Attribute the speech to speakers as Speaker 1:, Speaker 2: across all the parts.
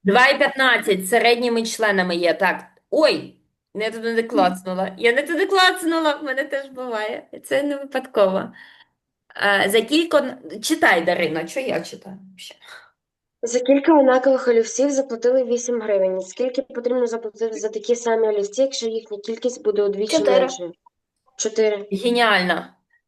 Speaker 1: 2,15 середніми членами є. Так. Ой, не туди клацнула. Я не туди клацнула, в мене теж буває. Це не випадково. За кілька... Читай, Дарина, що я читаю?
Speaker 2: За кілька однакових олівців заплатили 8 гривень. Скільки потрібно заплатити за такі самі олівці, якщо їхня кількість буде удвічі
Speaker 3: 4.
Speaker 2: меншою? 4.
Speaker 1: Геніально.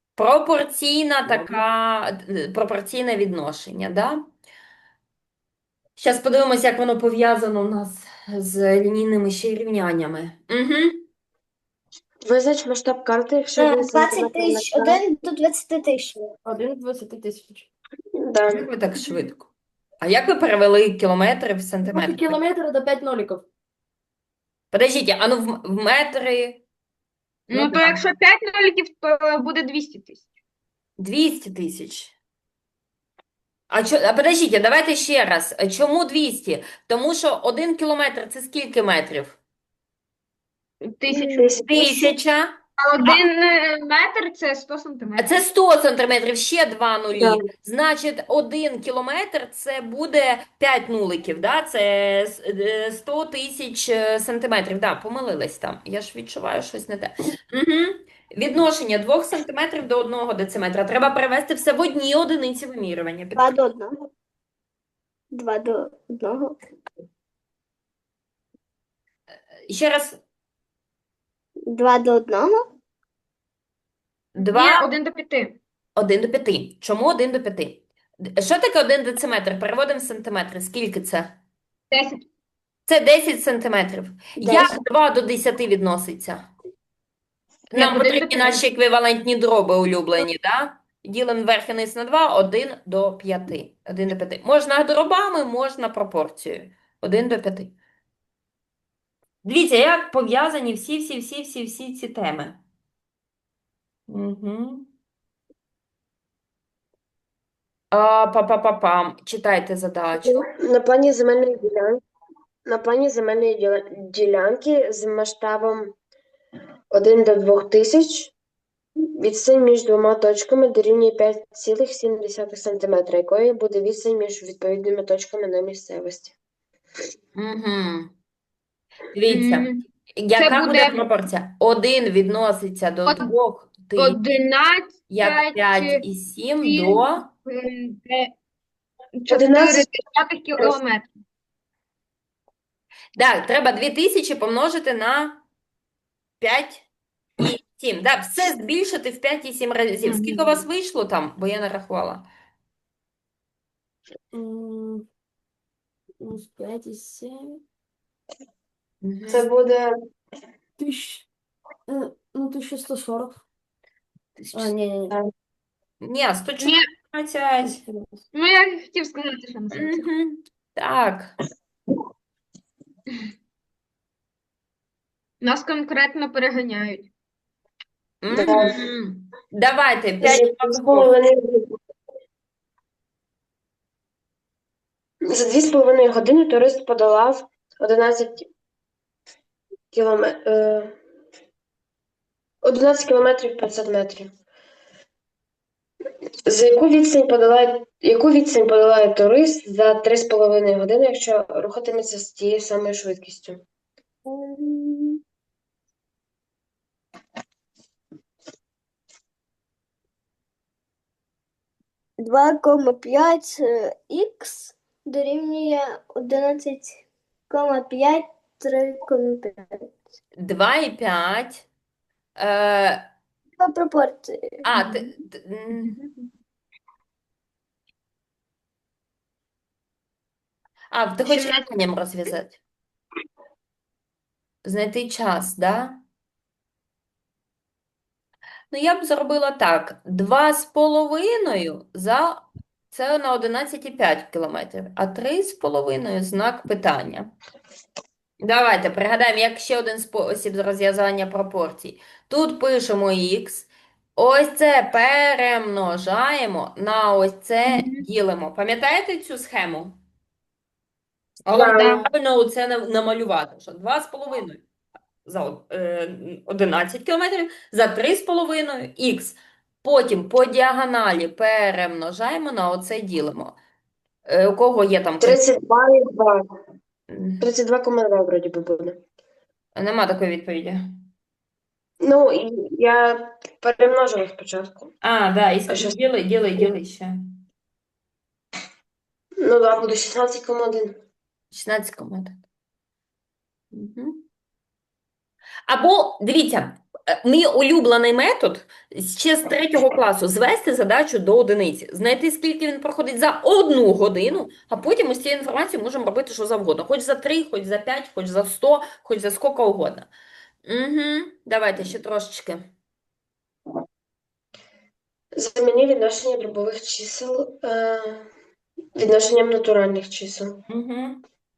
Speaker 1: Пропорційне відношення, да? Зараз подивимося, як воно пов'язано у нас з лінійними ще рівняннями. Угу.
Speaker 2: Визнач масштаб карти, якщо 1 см
Speaker 3: 20
Speaker 2: на
Speaker 3: тисяч, 1 до 20 тисяч.
Speaker 1: 1 20 тисяч.
Speaker 2: Да.
Speaker 1: Як ви так швидко? А як ви перевели кілометри в сантиметри?
Speaker 4: Километр это 5 ноликов.
Speaker 1: Подождіть, а ну в метри.
Speaker 5: Ну, то
Speaker 1: да.
Speaker 5: якщо 5 ноликів, то буде 200 тисяч.
Speaker 1: 200 тисяч. А подождіть, давайте ще раз. Чому 200? Тому що 1 кілометр це скільки метрів?
Speaker 5: 1000.
Speaker 1: 1000.
Speaker 5: А 1 метр це 100
Speaker 1: А
Speaker 5: сантиметрів.
Speaker 1: це 100 сантиметрів, ще 2 нулі.
Speaker 2: Да.
Speaker 1: Значить, 1 кілометр це буде 5 нуликів, да? Це 100 тисяч сантиметрів. Да, помилилась там. Я ж відчуваю щось не те. Угу. Відношення 2 сантиметрів до 1 дециметра. Треба перевести все в одні одиниці вимірювання.
Speaker 3: 2 до 1. 2 до 1.
Speaker 1: Ще раз.
Speaker 3: 2 до 1.
Speaker 1: 2,
Speaker 5: Ні, 1 до 5.
Speaker 1: 1 до 5. Чому 1 до 5? Що таке 1 дециметр? Переводимо в сантиметри. Скільки це?
Speaker 5: 10.
Speaker 1: Це 10 сантиметрів. Як 2 до 10 відноситься? Нам
Speaker 5: 1 до
Speaker 1: потрібні
Speaker 5: 5.
Speaker 1: наші еквівалентні дроби улюблені, да? Ділимо верх і низ на 2, 1 до 5. 1 до 5. Можна дробами, можна пропорцією. 1 до 5. Дивіться, як пов'язані всі ці теми. Угу. Па-па-па-пам. Читайте задачу.
Speaker 2: На плані земельної ділянки, ділянки з масштабом 1 до 2000 відстань між двома точками дорівнює 5,7 см, якою буде відстань між відповідними точками на місцевості.
Speaker 1: Угу. Дивіться,
Speaker 5: М,
Speaker 1: яка буде
Speaker 5: буде
Speaker 1: пропорція? 1 відноситься до
Speaker 5: Од-
Speaker 1: 2000,
Speaker 5: 11,
Speaker 1: як 5 і 7 до...
Speaker 2: 11.
Speaker 5: 4 кілометрів.
Speaker 1: Так, треба 2000 помножити на 5 і 7. Так, все збільшити в 5 і 7 разів. Скільки у вас вийшло там? Бо я не рахувала.
Speaker 4: Минус 5 и 7.
Speaker 1: Мгм.
Speaker 2: Це буде
Speaker 4: Тысяч... Ну, 1140. Не.
Speaker 1: Ні, 114.
Speaker 5: Ну, я хотів сказати, що на це.
Speaker 1: Мгм. Так.
Speaker 5: Нас конкретно переганяють.
Speaker 1: Мгм. Давайте,
Speaker 2: за
Speaker 1: 5
Speaker 2: 2,5 години турист подолав 11 кілометрів 500 метрів. Яку відстань подолає турист за 3,5 години, якщо рухатиметься з тією самою швидкістю?
Speaker 3: Два кома 5 х дорівнює 11,5 3,5.
Speaker 1: 2,5.
Speaker 3: По пропорції.
Speaker 1: Ти хочеш
Speaker 5: 17.
Speaker 1: рівнянням розв'язати? Знайти час, да? Ну, я б зробила так. 2,5 за... Це на 11,5 кілометрів, а 3,5 знак питання. Давайте пригадаємо, як ще один спосіб розв'язання пропорцій. Тут пишемо х, ось це перемножаємо, на ось це ділимо. Пам'ятаєте цю схему?
Speaker 2: Да.
Speaker 1: Правильно це намалювати, що 2,5 за 11 кілометрів, за 3,5 х. Потім по діагоналі перемножаємо, на оце ділимо. У кого є там
Speaker 2: 32,2.
Speaker 1: М,
Speaker 2: 32,2 вроді би буде.
Speaker 1: Нема такої відповіді.
Speaker 2: Ну, я перемножила спочатку.
Speaker 1: А, да, і
Speaker 2: А що?
Speaker 1: діли ще.
Speaker 2: Ну, да, буде 16,1.
Speaker 1: 16,1. Угу. Або, дивіться, мій улюблений метод ще з 3 класу звести задачу до одиниці, знайти, скільки він проходить за 1 годину, а потім із цією інформацією можемо робити що завгодно. Хоч за 3, хоч за 5, хоч за 100, хоч за скільки угодно. Угу. Давайте ще трошечки.
Speaker 2: Заміни відношення дробових чисел відношенням натуральних чисел.
Speaker 1: Угу.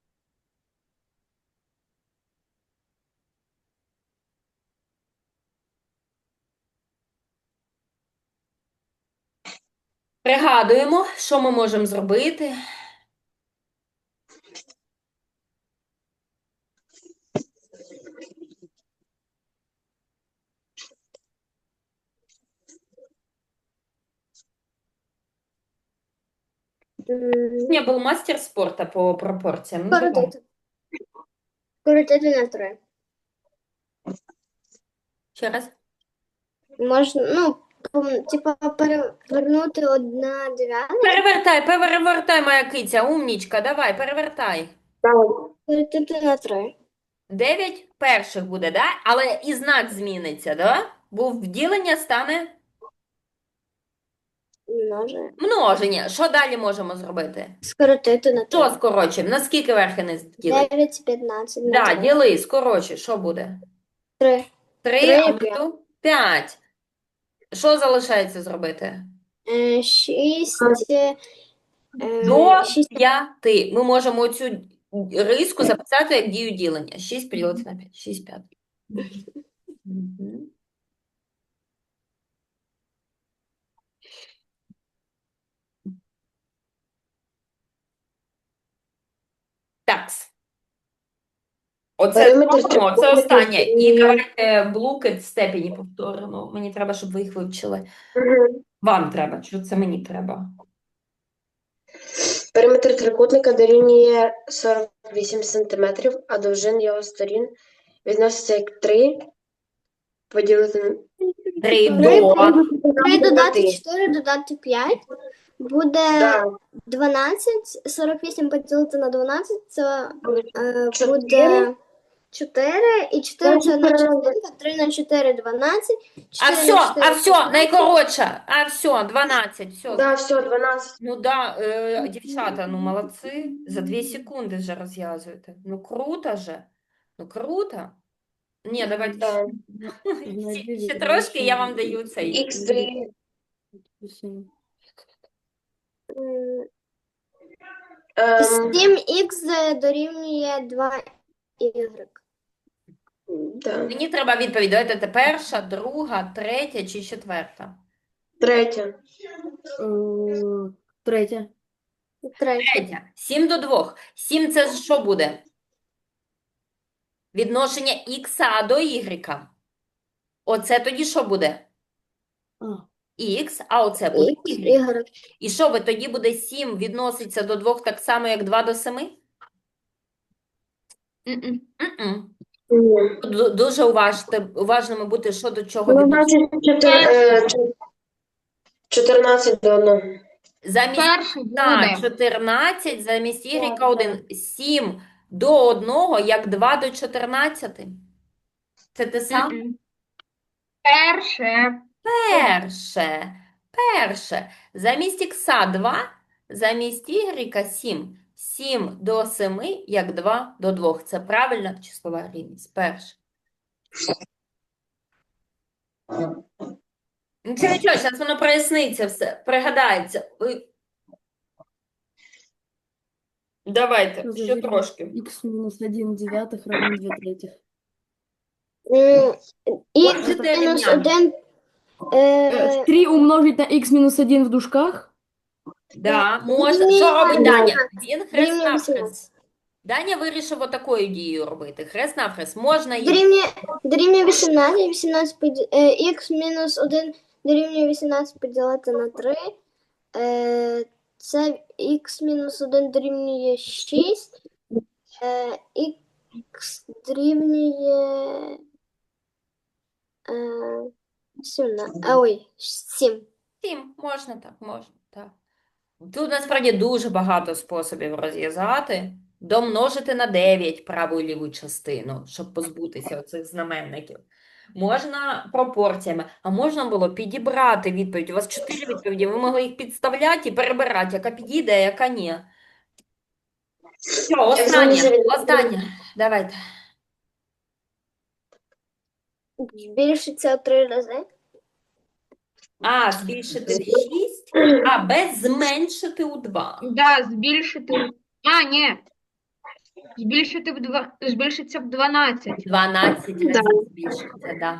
Speaker 1: Пригадуємо, що ми можемо зробити. Я був мастер спорту по пропорціям. Ну, давай.
Speaker 3: Скоротити. Скоротити на 3.
Speaker 1: Ще раз.
Speaker 3: Можна, ну, типа перевернути 1/9.
Speaker 1: Перевертай, моя киця, умнічка, давай, перевертай.
Speaker 3: Скоротити на 3.
Speaker 1: 9 перших буде, да? Але і знак зміниться, да? Бо вділення стане
Speaker 3: Множе.
Speaker 1: множення. Що далі можемо зробити?
Speaker 3: Скоротити на 3.
Speaker 1: Що скорочимо? На скільки верх і низ ділить?
Speaker 3: 9 і 15 на
Speaker 1: Да,
Speaker 3: 3.
Speaker 1: діли, скорочуй, що буде?
Speaker 3: 3.
Speaker 1: 3,
Speaker 3: Три
Speaker 1: а
Speaker 3: і п'ять.
Speaker 1: тут 5. Що залишається зробити?
Speaker 3: 6.
Speaker 1: До
Speaker 3: 6.
Speaker 1: 5. Ми можемо оцю риску записати як дію ділення. 6 поділити на 5. 6 п'ятих. Мгм. Такс. Оце
Speaker 2: Периметр
Speaker 1: зробимо, це
Speaker 2: трикутника
Speaker 1: останнє. І
Speaker 2: дорівнює-
Speaker 1: давайте блуки в степені повторимо. Мені треба, щоб ви їх вивчили.
Speaker 2: Мгм.
Speaker 1: Вам треба, що це мені треба.
Speaker 2: Периметр трикутника дорівнює 48 см, а довжин його сторін відноситься як 3 поділити на
Speaker 1: 3
Speaker 3: Три
Speaker 1: до.
Speaker 3: 3 додати 4 додати 5 буде
Speaker 2: Да,
Speaker 3: 12. 48 поділити на 12 це
Speaker 2: буде
Speaker 3: буде 4. І 4 це одна
Speaker 2: 4.
Speaker 3: частинка. 3 на 4 – 12.
Speaker 1: А
Speaker 3: 4 на 4
Speaker 1: все,
Speaker 3: 16.
Speaker 1: найкоротше. А все, 12, все.
Speaker 2: Да, все, 12.
Speaker 1: Ну да, дівчата, ну молодці. За 2 секунди вже розв'язуєте. Ну круто же. Ну круто. Ні, давайте
Speaker 2: Да.
Speaker 1: ще трошки, я вам даю цей.
Speaker 2: Х дорівнює ем,
Speaker 3: 7х дорівнює 2y.
Speaker 2: да.
Speaker 1: Мені треба відповідь. Давайте це перша, друга, третя чи четверта?
Speaker 2: Третє.
Speaker 4: Третє.
Speaker 1: Третя. 7 до 2. 7 це ж що буде? Відношення х до y. Оце тоді що буде?
Speaker 4: А,
Speaker 1: Х, а оце буде
Speaker 3: Х,
Speaker 1: y.
Speaker 3: y.
Speaker 1: І що ви тоді буде 7 відноситься до 2 так само, як 2 до 7?
Speaker 5: М-м.
Speaker 1: М-м.
Speaker 2: Ні.
Speaker 1: Дуже уважними бути, що до чого
Speaker 2: Ну,
Speaker 1: відноситься.
Speaker 2: значить, 14 до 1.
Speaker 1: Замість
Speaker 5: Перший
Speaker 1: так,
Speaker 5: буде.
Speaker 1: 14, замість y
Speaker 2: Так,
Speaker 1: 1. 7 до 1, як 2 до 14. Це те саме?
Speaker 5: М-м. Перше.
Speaker 1: Перше. Замість х 2, замість y 7. 7 до 7, як 2 до 2. Це правильна числова рівність. Перше. Нічого, зараз воно проясниться все, пригадається. Давайте,
Speaker 4: Що за
Speaker 1: ще
Speaker 4: вірно?
Speaker 1: трошки.
Speaker 4: Х мінус 1 дев'ятих равно 2 третіх.
Speaker 1: Оце
Speaker 3: Х
Speaker 1: те
Speaker 3: мінус
Speaker 1: рівняння.
Speaker 3: 1.
Speaker 4: 3 умножить на х мінус 1 в дужках.
Speaker 1: Да, можна.
Speaker 3: Дорівнює
Speaker 1: Що робить Даня?
Speaker 3: 18.
Speaker 1: Він хрест
Speaker 3: Дорівнює
Speaker 1: навхрест.
Speaker 3: 18.
Speaker 1: Даня вирішив отакою дією робити. Хрест навхрест. Можна їх.
Speaker 3: Дорівнює 18. 18 х мінус 1 дорівнює 18 поділити на 3. Це х мінус 1 дорівнює 6. Х дорівнює 17. Ой, 7.
Speaker 1: 7. Можна так, можна, так. Тут насправді дуже багато способів розв'язати. Домножити на 9 праву і ліву частину, щоб позбутися оцих знаменників. Можна пропорціями, а можна було підібрати відповідь. У вас 4 відповіді, ви могли їх підставляти і перебирати, яка підійде, а яка ні. Все, останнє. Давайте.
Speaker 3: Збільшиться у 3 рази.
Speaker 1: А, збільшити в 6, а, Б зменшити у 2.
Speaker 5: Да, збільшити. А, ні. Збільшиться в 12.
Speaker 1: 12 разів збільшиться, да.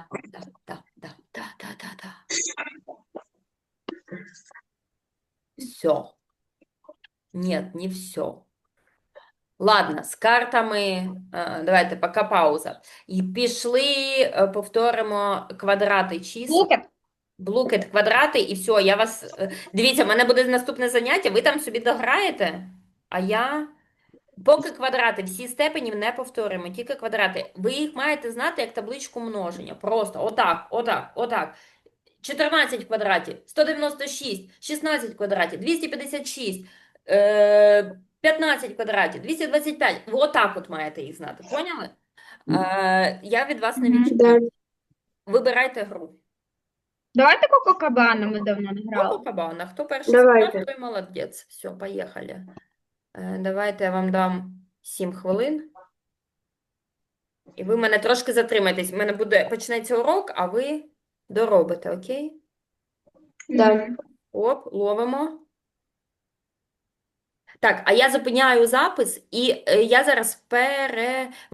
Speaker 1: Все. Нет, не все. Ладно, з картами, давайте, поки пауза. І пішли, повторимо квадрати чисел.
Speaker 5: Блукет.
Speaker 1: Блукет, квадрати, і все, я вас... Дивіться, в мене буде наступне заняття, ви там собі дограєте, а я... Поки квадрати, всі степенів не повторюємо, тільки квадрати. Ви їх маєте знати як табличку множення. Просто отак. 14 квадратів, 196, 16 квадратів, 256, 15 квадратів, 225. Ви отак от маєте їх знати, поняли? Я від вас не відчуваю. Вибирайте гру.
Speaker 5: Давайте Коко-Кабана, ми давно не грали.
Speaker 1: Коко-кабана. Хто перший
Speaker 2: Давайте.
Speaker 1: сказав, той молодець. Все, поїхали. Давайте я вам дам 7 хвилин. І ви мене трошки затримаєтесь. У мене почнеться урок, а ви доробите, окей?
Speaker 2: Да.
Speaker 1: Оп, ловимо. Так, а я зупиняю запис, і я зараз